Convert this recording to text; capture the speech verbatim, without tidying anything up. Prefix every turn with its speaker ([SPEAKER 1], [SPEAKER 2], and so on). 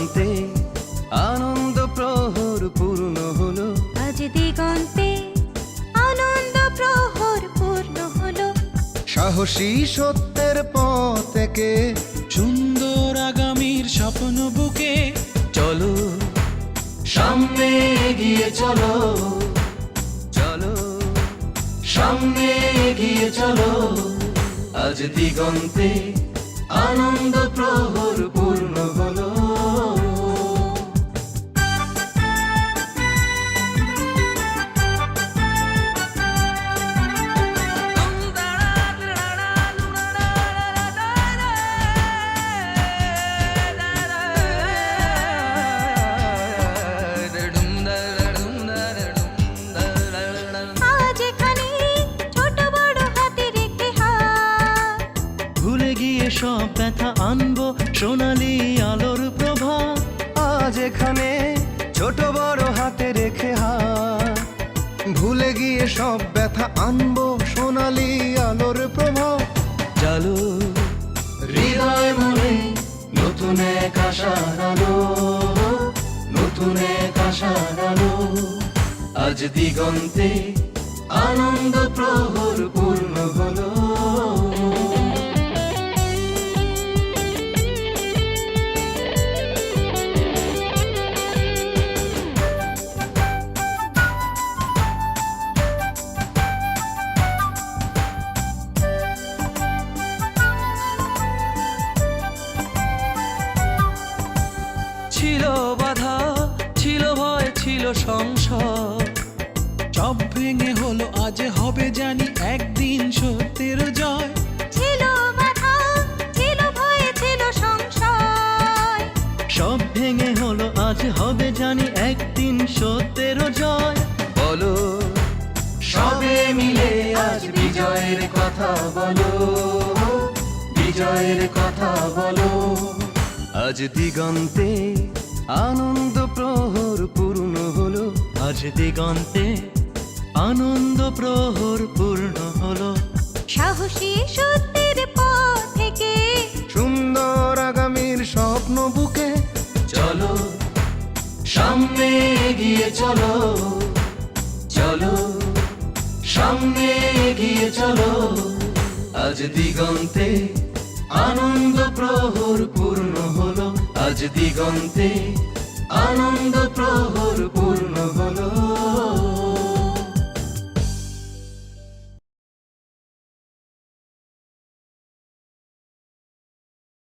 [SPEAKER 1] দিগন্তে আনন্দ প্রহর পূর্ণ হলো,
[SPEAKER 2] আজ দিগন্তে আনন্দ প্রহর পূর্ণ হলো।
[SPEAKER 3] সাহসী সত্যের পথ থেকে
[SPEAKER 4] সুন্দর আগামীর স্বপ্ন বুকে
[SPEAKER 1] চলো সামনে এগিয়ে চলো, চলো সামনে এগিয়ে চলো। আজ দিগন্তে আনন্দ প্রহর পূর্ণ হলো।
[SPEAKER 2] আজ এখানে ছোট বড় হাতে রেখে হাত,
[SPEAKER 1] ভুলে গিয়ে সব ব্যথা আনবো সোনালি আলোর প্রভা।
[SPEAKER 3] আজ এখানে ছোট বড় হাতে রেখে হাত, ভুলে গিয়ে সব ব্যথা আনবো সোনালি আলোর প্রভাব।
[SPEAKER 1] চলো হৃদয় মনে নতুন এক আশার আলো, নতুন এক আশার আলো। আজ দিগন্তে আনন্দ প্রহর পূর্ণ হলো। ছিল বাধা, ছিল ভয়, ছিল সংশয়,
[SPEAKER 4] সব ভেঙে হলো আজ হবে জানি একদিন সত্যের জয়।
[SPEAKER 2] ছিল বাধা, ছিল ভয়, ছিল সংশয়,
[SPEAKER 1] সব ভেঙে হলো আজ হবে জানি একদিন সত্যের জয়। বলো সবে মিলে আজ বিজয়ের কথা বলো, বিজয়ের কথা বলো। আজ দিগন্তে আনন্দ প্রহর পূর্ণ হলো, আজ দিগন্তে আনন্দ প্রহর পূর্ণ হলো।
[SPEAKER 2] সাহসী সত্যের পথ থেকে
[SPEAKER 3] সুন্দর আগামীর স্বপ্ন বুকে
[SPEAKER 1] চলো সামনে এগিয়ে চলো, চলো সামনে এগিয়ে চলো। আজ দিগন্তে আনন্দ প্রহর পূর্ণ হলো, আজ দিগন্তে